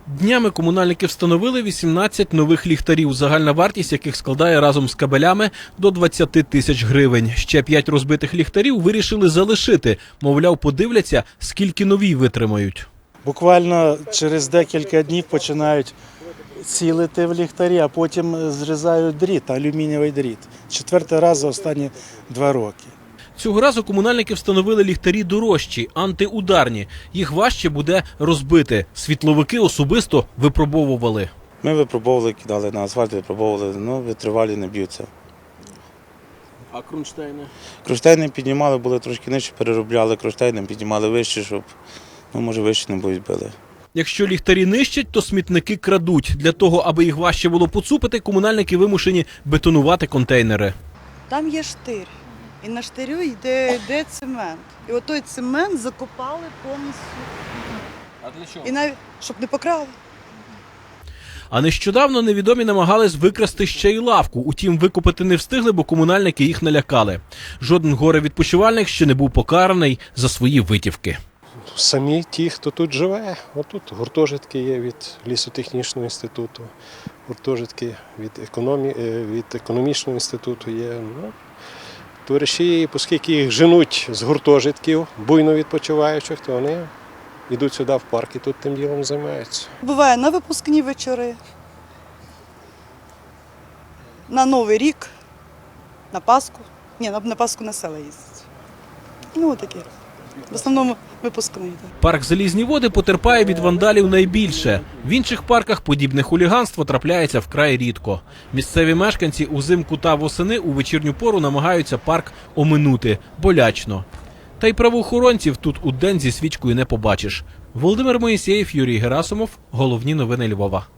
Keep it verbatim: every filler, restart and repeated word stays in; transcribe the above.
Днями комунальники встановили вісімнадцять нових ліхтарів, загальна вартість яких складає разом з кабелями до двадцяти тисяч гривень. Ще п'ять розбитих ліхтарів вирішили залишити. Мовляв, подивляться, скільки нові витримають. Буквально через декілька днів починають цілити в ліхтарі, а потім зрізають дріт, алюмінієвий дріт. Четвертий раз за останні два роки. Цього разу комунальники встановили ліхтарі дорожчі, антиударні. Їх важче буде розбити. Світловики особисто випробовували. Ми випробовували, кидали на асфальт, випробовували, ну витривалі, не б'ються. А кронштейни? Кронштейни піднімали, були трошки нижче, переробляли кронштейни, піднімали вище, щоб, ну може вище не будуть били. Якщо ліхтарі нищать, то смітники крадуть. Для того, аби їх важче було поцупити, комунальники вимушені бетонувати контейнери. Там є штир, і на штирю йде, йде цемент. І отой цемент закопали повністю. А для чого? І навіть, щоб не покрали. А нещодавно невідомі намагались викрасти ще й лавку. Утім, викупити не встигли, бо комунальники їх налякали. Жоден горе-відпочивальник ще не був покараний за свої витівки. Самі ті, хто тут живе. Отут гуртожитки є від лісотехнічного інституту, гуртожитки від, економі... від економічного інституту є. Ну, товариші, оскільки їх женуть з гуртожитків, буйно відпочиваючих, то вони йдуть сюди в парк і тут тим ділом займаються. Буває на випускні вечори, на Новий рік, на Пасху. Ні, на, на Пасху на села їздять. Ну, такі. В основному випускний. Парк «Залізні води» потерпає від вандалів найбільше. В інших парках подібне хуліганство трапляється вкрай рідко. Місцеві мешканці узимку та восени у вечірню пору намагаються парк оминути. Болячно. Та й правоохоронців тут удень зі свічкою не побачиш. Володимир Моїсеєв, Юрій Герасимов. Головні новини Львова.